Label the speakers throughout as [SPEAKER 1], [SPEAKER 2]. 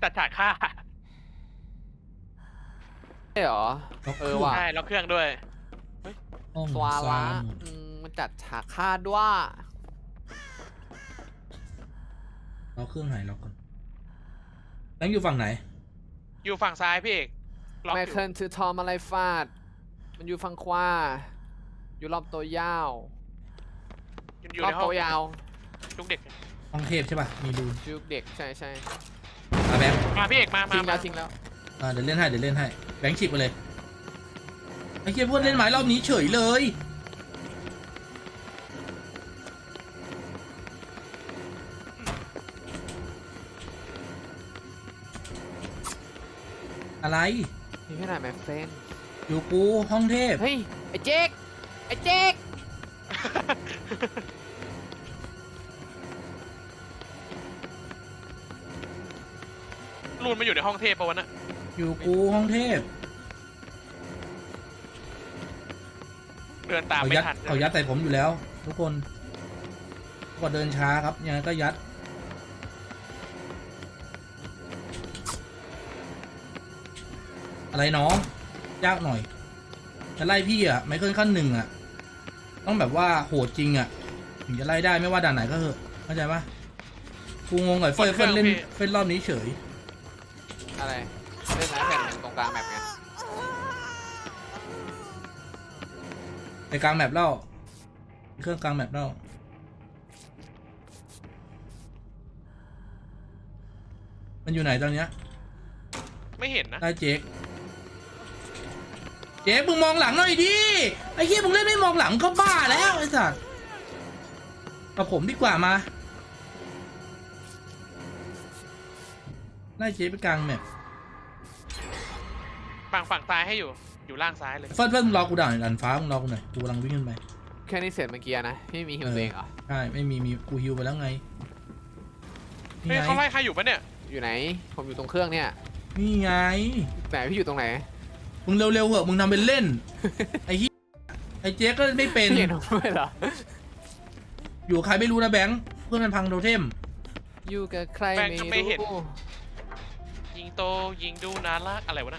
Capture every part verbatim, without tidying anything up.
[SPEAKER 1] จัดฉากฆ่า
[SPEAKER 2] ใช่เหรอเออว่ะ
[SPEAKER 1] ใช่แล้วเครื่องด้วย
[SPEAKER 3] ห้อง
[SPEAKER 2] สวา
[SPEAKER 3] ซ้า
[SPEAKER 2] ระ
[SPEAKER 3] ย
[SPEAKER 2] อืมมันจัดฉากฆ่าด้วย
[SPEAKER 3] เราเครื่องไหนเราก่อนแบงค์อยู่ฝั่งไหน
[SPEAKER 1] อยู่ฝั่งซ้ายพี่เอกล็อก
[SPEAKER 2] ไม
[SPEAKER 1] อยู่
[SPEAKER 2] เคิลถือทอมอะไรฟาดมันอยู่ฝั่งขวาอยู่รอบตัวยาว
[SPEAKER 1] อยู่
[SPEAKER 2] รอ
[SPEAKER 1] ใน
[SPEAKER 2] บ
[SPEAKER 1] ห้อง
[SPEAKER 2] ตัวยาว
[SPEAKER 1] ลูกเด็ก
[SPEAKER 3] ห้องเทพใช่ป่ะมีรู
[SPEAKER 2] จุกเด็กใช่ใช่
[SPEAKER 3] อ่ะแบงค์
[SPEAKER 1] มาพี่เอกมามา
[SPEAKER 2] ทิ้งแล้
[SPEAKER 1] มาว
[SPEAKER 2] ทิ้งแล้ว
[SPEAKER 3] อ่ะเดี๋ยวเล่นให้เดี๋ยวเล่นให้แบงค์ฉิบไปเลยไอ้เหี้ยพวกเล่นไม้รอบนี้เฉยเลยอะไร
[SPEAKER 2] มีแค่ไหนแมฟเฟน
[SPEAKER 3] อยู่กูห้องเทพ
[SPEAKER 2] เฮ้ยไอ้เจ๊กไอ้เจ๊ก
[SPEAKER 1] รูนมาอยู่ในห้องเทพปะวะน่ะ
[SPEAKER 3] อยู่กูห้องเทพ
[SPEAKER 1] เดินตาม
[SPEAKER 3] เขา
[SPEAKER 1] ไม่
[SPEAKER 3] ยัด
[SPEAKER 1] ทัน
[SPEAKER 3] เขายัดใส่ผมอยู่แล้ว ทุกคนก็เดินช้าครับยังไงก็ยัดอะไรน้องยากหน่อยจะไล่พี่อ่ะไม่เคิลขั้นหนึ่งอ่ะต้องแบบว่าโหดจริงอ่ะถึงจะไล่ได้ไม่ว่าด่านไหนก็เถอะเข้าใจปะกูงงกับเฟิร์นเฟิร์นเล่นเฟิร์นรอบนี้เฉย
[SPEAKER 2] อะไรเล่นไม้แผ่นหนึ่งตรงกลางแมปไง
[SPEAKER 3] ไปกลางแมปแล้วเครื่องกลางแมปแล้วมันอยู่ไหนตอนเนี้ย
[SPEAKER 1] ไม่เห็นนะ
[SPEAKER 3] ได้เจ๊กเจ๊กมึงมองหลังหน่อยดิไอ้เหี้ยมึงเล่นไม่มองหลังก็บ้าแล้วไอ้สัสกับผมดีกว่ามาไล่เจ๊ไปกลางแมป
[SPEAKER 1] ฝั่งฝั่งซ้ายให้อยู่อยู่ล่างซ้ายเลย
[SPEAKER 3] เฟิร์นเฟิร์นมึงรอกูด่าหน่อยดันฟ้ามึงรอกูหน่อยกูกำลังวิ่งขึ้นไป
[SPEAKER 2] แค่นี้เสร็จเมื่อกี้นะพี่มีฮิวตัวเองเหรอ
[SPEAKER 3] ใช่ไม่มีมีกูฮิวไปแล้วไงนี่
[SPEAKER 1] เฮ้ย
[SPEAKER 3] ไง
[SPEAKER 1] เขาไล่ใครอยู่ปะเนี่ย
[SPEAKER 2] อยู่ไหนผมอยู่ตรงเครื่องเนี่ย
[SPEAKER 3] นี่ไง
[SPEAKER 2] ไหนพี่อยู่ตรงไหน
[SPEAKER 3] มึงเร็วๆเหอะมึงทำเป็นเล่น ไอ้เหี้ยไอ้เจ๊ก็ไม่เป็น
[SPEAKER 2] พี่เห็นผมด้วยเหรอ
[SPEAKER 3] อยู่กับใครไม่รู้นะแบงค์เพื่อนมันพังโทเทม
[SPEAKER 2] อยู่กับใครไม่รู้
[SPEAKER 1] ยิงโตยิงดูนารักอะไรวะนะ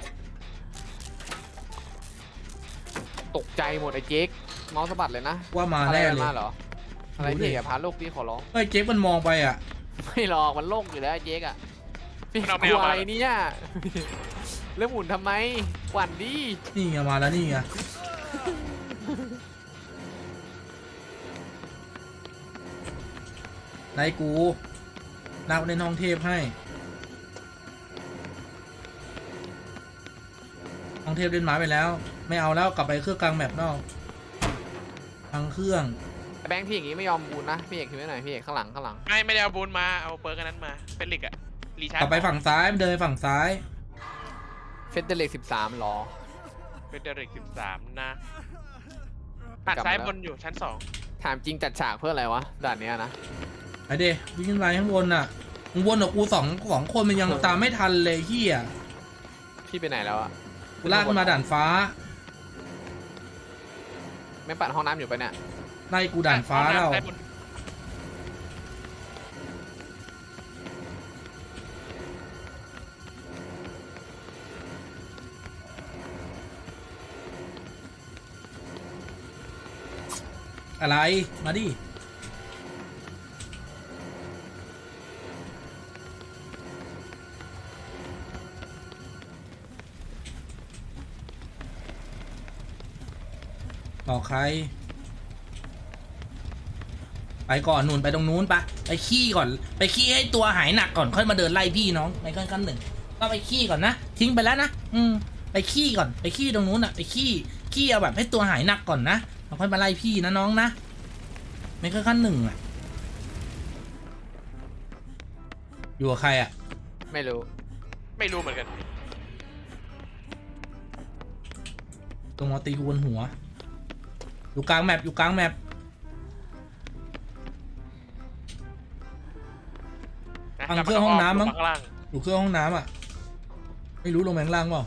[SPEAKER 2] ตกใจหมดไอ้เจ๊กเมาส์สะบัดเลยนะ
[SPEAKER 3] ว่ามา
[SPEAKER 2] อะไร
[SPEAKER 3] แน่
[SPEAKER 2] กัน
[SPEAKER 3] เลย
[SPEAKER 2] มาเหรออะไรพี่อย่าพาโลกพี่ขอร้อง
[SPEAKER 3] ไอ้เจ๊มันมองไปอ่ะ
[SPEAKER 2] ไม่หรอกมันโลกอยู่แล้วไอ้เจ๊กอะพี่
[SPEAKER 1] มันเอา
[SPEAKER 2] ก
[SPEAKER 1] แม
[SPEAKER 2] ลั
[SPEAKER 1] ว
[SPEAKER 2] ว
[SPEAKER 1] มา
[SPEAKER 2] อะไรเนี่ยเรื่องหมุนทำไมหวั่นดิ
[SPEAKER 3] นี่ไงมาแล้วนี่ไงไล่กูนักเล่นห้องเทพให้ห้องเทพเล่นหมาไปแล้ว ไม่เอาแล้วกลับไปเครื่องกลางแมปนอกพังเครื่อง
[SPEAKER 2] แบงค์พี่อย่างงี้ไม่ยอมบูนนะพี่เอกคือไม่ไหนพี่เอกข้างหลังข้างหลัง
[SPEAKER 1] ไม่ไม่ได้เอาบูนมาเอาเปิร์กอันนั้นมาเป็นลิกอะรีชาร์
[SPEAKER 3] กลับไปฝั่งซ้ายเดินไปฝั่งซ้าย
[SPEAKER 2] เฟสเดเล็กสิบสามหรอ
[SPEAKER 1] เป็นเดริกสิบสามนะหัดซ้ายบนอยู่ชั้นสอง
[SPEAKER 2] ถามจริงจัดฉากเพื่ออะไรวะด่านเนี้ยนะ
[SPEAKER 3] ไอเดวิ่งขึ้นไปข้างบนน่ะมึงวนกับกูสองสองคนมันยังตามไม่ทันเลยเฮีย
[SPEAKER 2] พี่ไปไหนแล้วอะ
[SPEAKER 3] กูลากขึ้นมาด่านฟ้า
[SPEAKER 2] ไม่ปัดห้องน้ำอยู่ปะเนี่ย
[SPEAKER 3] ไล่กูด่านฟ้าแล้ว
[SPEAKER 1] ซ้ยบน
[SPEAKER 3] อะไรมาดิบอกใครไปก่อนหนุนไปตรงนู้นปะไปขี้ก่อนไปขี้ให้ตัวหายหนักก่อนค่อยมาเดินไล่พี่น้องในขั้นขั้นหนึ่งก็ไปขี้ก่อนนะทิ้งไปแล้วนะอืมไปขี้ก่อนไปขี้ตรงนู้นอะไปขี้ขี้เอาแบบให้ตัวหายหนักก่อนนะเราค่อยมาไล่พี่นะน้องนะไม่ขั้นขั้นหนึ่งอะอยู่กับใครอะ
[SPEAKER 2] ไม่รู้
[SPEAKER 1] ไม่รู้เหมือนกัน
[SPEAKER 3] ตรงมาตีกูบนหัวอยู่กลางแมปอยู่กลางแมป
[SPEAKER 1] นะ
[SPEAKER 3] ฟังเครื่องห้องน้ำมั้ง
[SPEAKER 1] ข้างล่าง
[SPEAKER 3] อยู่เครื่องห้องน้ำอ่ะไม่รู้ลงแมงล่างเปล่า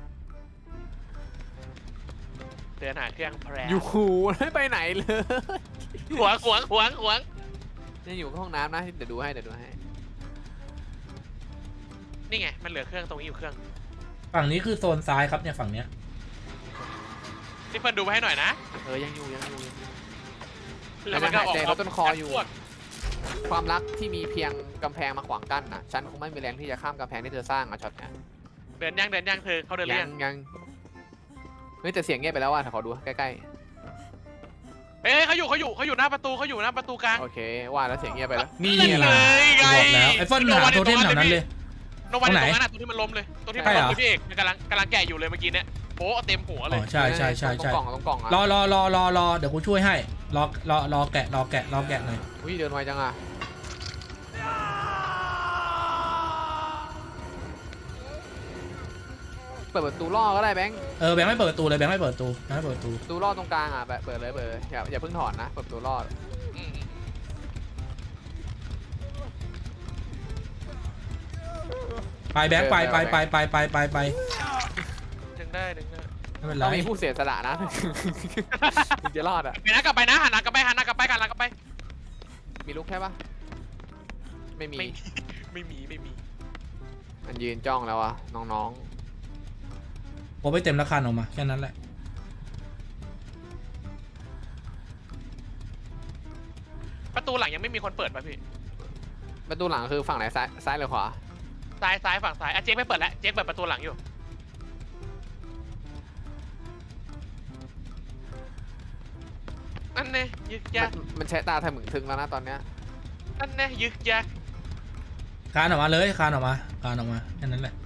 [SPEAKER 1] เดินหาเครื่องแพร
[SPEAKER 2] อยู่หูไม่ไปไหนเลย
[SPEAKER 1] ขวางขวางขวางขวาง
[SPEAKER 2] นี่อยู่ห้องน้ำนะเดี๋ยวดูให้เดี๋ยวดูให้
[SPEAKER 1] นี่ไงมันเหลือเครื่องตรงนี้อยู่เครื่อง
[SPEAKER 3] ฝั่งนี้คือโซนซ้ายครับเนี่ยฝั่งเนี้ย
[SPEAKER 1] พี่เฟิร์นดูไปให้หน่อยนะ
[SPEAKER 2] เออยังอยู่ยังอยู่ยังอยู่
[SPEAKER 1] แล้วมันก็ออก
[SPEAKER 2] หายใจลดต้นคออยู่
[SPEAKER 1] พวก
[SPEAKER 2] ความรักที่มีเพียงกำแพงมาขวางกั้นนะฉันคงไม่มีแรงที่จะข้ามกำแพงที่เธอสร้างอะช็อตเนี้ย
[SPEAKER 1] เดินย่างเดินย่างเธอเขาเดินเรี
[SPEAKER 2] ยั
[SPEAKER 1] ย
[SPEAKER 2] ง
[SPEAKER 1] ง
[SPEAKER 2] ยังเฮ้ยแต่เสียงเงียบไปแล้วว่ะขอดูใกล้
[SPEAKER 1] เฮ้ยเขาอยู่เขาอยู่เขาอยู่หน้าประตูเขาอยู่หน้าประตูกลาง
[SPEAKER 2] ๆโอเคว่าแล้วเสียงเงียบไปแล้ว
[SPEAKER 3] นี่
[SPEAKER 1] นั่น
[SPEAKER 3] ไง
[SPEAKER 1] เลยไง
[SPEAKER 3] บอกแล้วไอ้เฟิร์นหาโทเทมแถวนั้นเลย
[SPEAKER 1] ลงมา
[SPEAKER 3] ตรงไหน
[SPEAKER 1] ตรงนั้นอ่ะตรงที่มันล้มเลยตรงที่มัน
[SPEAKER 3] ใช่เหร
[SPEAKER 1] ล้
[SPEAKER 3] อ
[SPEAKER 1] มเลยพี่เอกมันกำลังกำลังแกะอยู่เลยเมื่อกี้เนี่ยโป๊ะเต็มหัวเล
[SPEAKER 3] อ๋
[SPEAKER 1] ย
[SPEAKER 3] อใช่ใช่ใช่
[SPEAKER 2] ตร
[SPEAKER 3] ใช่
[SPEAKER 2] งกล่องตรงกล่องอะ
[SPEAKER 3] รอรอรอรอรอเดี๋ยวกูช่วยให้รอรอรอแกะรอแกะรอแกะหน่อย
[SPEAKER 2] อุ้ยเดินไวจังอะเปิดประตูล่อก็ได้แบงค์
[SPEAKER 3] เออแบงค์ไม่เปิดประตูเลยแบงค์ไม่เปิดประตูแบงค์ไม่เปิดประตู
[SPEAKER 2] ประตูล่อตรงกลางอะแบบเปิดเลยเปิดเลยอย่าอย่าเพิ่งถอนนะเปิดประตูล่อ
[SPEAKER 1] อืม
[SPEAKER 3] ไปแบงค์ไปไปไปไปไปไปไป
[SPEAKER 1] ดึงได้ดึงได้
[SPEAKER 3] ไม่เป็นไร
[SPEAKER 2] ต้องมีผู้เสียสละนะ ถึงจะรอดอะ
[SPEAKER 1] ไปนะกลับไปนะหันหลังกลับไปหันหน้ากลับไปหันหลังกลับไป
[SPEAKER 2] มีลูกแค่ปะไม่มี
[SPEAKER 1] ไม่ไม่มีไม่มี
[SPEAKER 2] มันยืนจ้องแล้วอะน้อง
[SPEAKER 3] ผมไปเต็มราคาออกมาแค่นั้นแหละ
[SPEAKER 1] ประตูหลังยังไม่มีคนเปิดป่ะพี่
[SPEAKER 2] ๆประตูหลังคือฝั่งไหนซ้ายซ้ายหรือขวา
[SPEAKER 1] ซ้ายซ้ายฝั่งซ้ายอ่ะเจ๊กไม่เปิดแล้วเจ๊กเปิดประตูหลังอยู่นั่นแน่ยึกยัก
[SPEAKER 2] มันมันใช้ตาทำหมึงทึงแล้วนะตอนเนี้ย
[SPEAKER 1] นั่นแน่ยึกยัก
[SPEAKER 3] คานออกมาเลยคานออกมาคานออกมาแค่นั้นแหละ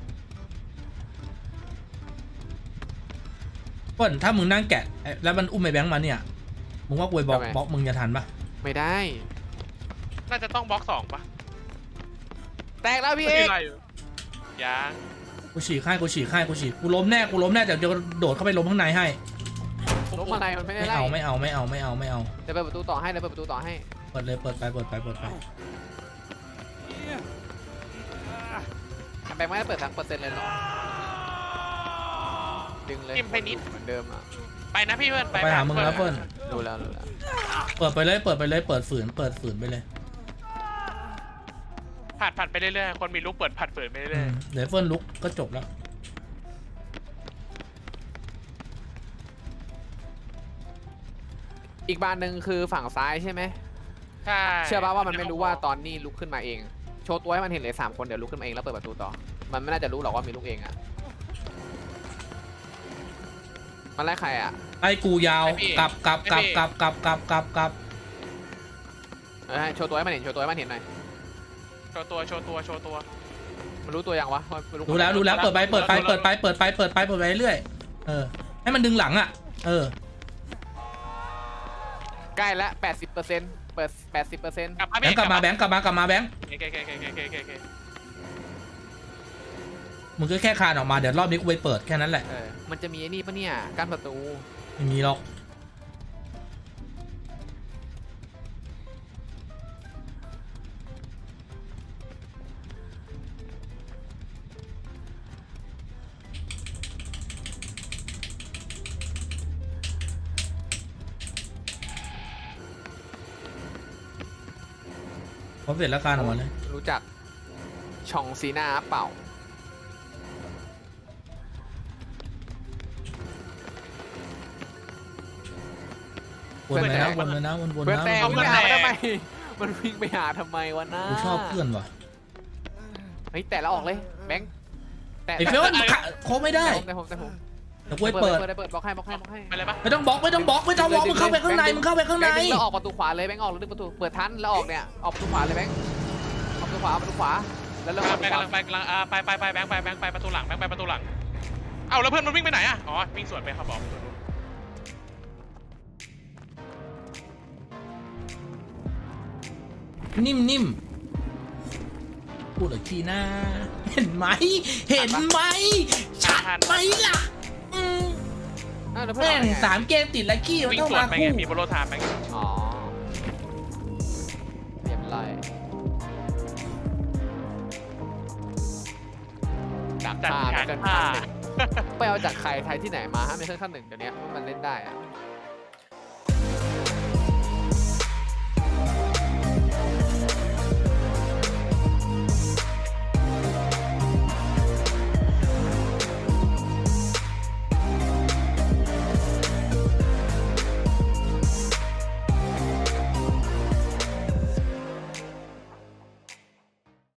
[SPEAKER 3] เปิ้ลถ้ามึงนั่งแกะไอ้แล้วมันอุ้มไอ้แบงค์มาเนี่ยมึงว่ากูไปบล็อกบล็อกมึงจะทันปะ
[SPEAKER 2] ไม่ได้
[SPEAKER 1] น่าจะต้องบล็อกสองป่ะ
[SPEAKER 2] แตกแล้วพี่
[SPEAKER 1] ไม่
[SPEAKER 2] เอ
[SPEAKER 1] มี
[SPEAKER 2] ก
[SPEAKER 1] อะไรอยู่ยัง
[SPEAKER 3] กูฉีกให้กูฉีกให้กูฉีกกูล้มแน่กูล้มแน่เดี๋ยวจะโดดเข้าไปล้มข้างในให้
[SPEAKER 2] ล้มอะไรมันไม่ได้
[SPEAKER 3] ไม่
[SPEAKER 2] ไล่
[SPEAKER 3] เอาไม่เอาไม่เอาไม่เอาไม่เอา
[SPEAKER 2] เดี๋ยวเปิดประตูต่อให้เดี๋ยวเปิดประตูต่อให้
[SPEAKER 3] เปิดเลยเปิดไปเปิดไปเปิดไป
[SPEAKER 2] แบงค์ไม่ได้เปิดทั้งเปอร์เซ็นต์เลยหรอดึงเลย
[SPEAKER 1] จิ้มไปนิด
[SPEAKER 2] เหมือนเดิมอะ
[SPEAKER 1] ไปนะพี่เพื่อนไป
[SPEAKER 3] ไปหามึงแล้วเปิ้ล
[SPEAKER 2] ดูแล้วดูแล้ว
[SPEAKER 3] เปิดไปเลยเปิดไปเลยเปิดฝืนเปิดฝืนไปเลย
[SPEAKER 1] ผัดผัดไปเรื่อยๆคนมีลูกเปิดผัดเปิดไป
[SPEAKER 3] อื
[SPEAKER 1] เรื่อย
[SPEAKER 3] มเดี๋ยวเฟิร์นลุกก็จบแล้ว
[SPEAKER 2] อีกบานหนึ่งคือฝั่งซ้ายใช่ไหม
[SPEAKER 1] ๆใช่
[SPEAKER 2] เชื่อป่ะว่ามันไม่รู้ว่าตอนนี้ลุกขึ้นมาเอง โชว์ตัวให้มันเห็นเลยสามคนเดี๋ยวลุกขึ้นมาเองแล้วเปิดประตูต่อ มันไม่น่าจะรู้หรอกว่ามีลูกเองอะมันไล่ใครอะ
[SPEAKER 3] ไอ้กูยาวกลับกลับกลับกลับกลับกลับกลับกลับ
[SPEAKER 2] เออให้โชว์ตัวให้มันเห็นโชว์ตัวให้มันเห็นหน่อย
[SPEAKER 1] โชว์ตัวโชว์ตัวโชว์ตัว
[SPEAKER 2] มันรู้ตัวยังวะว่ามันลุก
[SPEAKER 3] รู้แล้วรู้แล้วเปิดไปเปิดไปเปิดไปเปิดไปเปิดไปเปิดไปเรื่อยเออให้มันดึงหลังอ่ะเออ
[SPEAKER 2] ใกล้ละแปดสิบเปอร์เซ็นต์เปิดแปดสิบเปอร์เซ็นต์
[SPEAKER 1] กลับมา
[SPEAKER 3] แบงค์กลับมาแบงค์กลับมากลับมาแบงค์
[SPEAKER 1] โอเคโอเคโอเคโอเคโอเคโอเค
[SPEAKER 3] มึงก็แค่คานออกมาเดี๋ยวรอบนี้กูไปเปิดแค่นั้นแหละ
[SPEAKER 2] เออมันจะมีไอ้นี่ปะเนี่ยกั้นประตู
[SPEAKER 3] ไม่มีหรอกพอเสร็จแล้วคานออกมาเลย
[SPEAKER 2] รู้จักชองซีนาเปล่า
[SPEAKER 3] วนเลยนะวนเลยนะวนวน
[SPEAKER 2] เพื่อน
[SPEAKER 3] นะ
[SPEAKER 2] แต่
[SPEAKER 3] วน
[SPEAKER 2] วิ่ง
[SPEAKER 3] นะ
[SPEAKER 2] ไปหาทำไม มันวิ่งไปหาทำไมวะน้า
[SPEAKER 3] กูชอบเพื่อนว่ะ
[SPEAKER 2] เฮ้ยแต่แล้วออกเลยแบงค์แต่
[SPEAKER 3] ไอ้เฟิร์นโคไม่ได้
[SPEAKER 2] แต่ผมแต่ผม
[SPEAKER 3] เดี๋ยวกูไปเปิด
[SPEAKER 2] เปิดเปิดบล็อกให้บล็อกให้บล็อกให้
[SPEAKER 1] ไปเลยปะ
[SPEAKER 3] ไม่ต้องบล็อกไม่ต้องบล็อกไม่ต้องบล็อกมึงเข้าไปข้างในมึงเข้าไปข้างใน
[SPEAKER 2] แบงค์ดึแล้วออกประตูขวาเลยแบงค์ออกแล้วดึงประตูเปิดทันแล้วออกเนี่ยออกประตูขวาเลยแบงค์ออกประตูขวาประตูขวาแล้วเริ่มออก
[SPEAKER 1] ไป
[SPEAKER 2] ประตูข
[SPEAKER 1] กำ
[SPEAKER 2] วา
[SPEAKER 1] ลังไปกำลังอ่าไปไปไปแบงค์ไปแบงค์ไปประตูหลังแบงค์ไปประตูหลังเอ้าแล้วเพื่อนมันวิ่งไปไหนอ่ะอ๋อวิ่งสวนไปครับบอก
[SPEAKER 3] นิ่มนิ่มพูดอีกทีนะเห็นไหมเห็นไหมชัดไหมล่ะอืม
[SPEAKER 2] อ้าวแล้วเพื่อน
[SPEAKER 3] แม่
[SPEAKER 2] ออก
[SPEAKER 3] ง
[SPEAKER 2] ได้ไง
[SPEAKER 3] สามเกมติดแล้วขี้มัน
[SPEAKER 1] วิ่ง
[SPEAKER 3] ต้อง
[SPEAKER 1] สวน
[SPEAKER 3] มา
[SPEAKER 1] ไปไง
[SPEAKER 3] คู่
[SPEAKER 1] มีโบโลไทม์ไปไง
[SPEAKER 2] อ๋อเรียบร้อยดัก
[SPEAKER 1] จัด
[SPEAKER 2] ฆ่า
[SPEAKER 1] การ
[SPEAKER 2] เกิน
[SPEAKER 1] ฆ่า
[SPEAKER 2] ขั้นหนึ่งไปเอาจากใครไทยที่ไหนมาฮะไม่เคยขั้นหนึ่งเดี๋ยวนี้มันเล่นได้อะ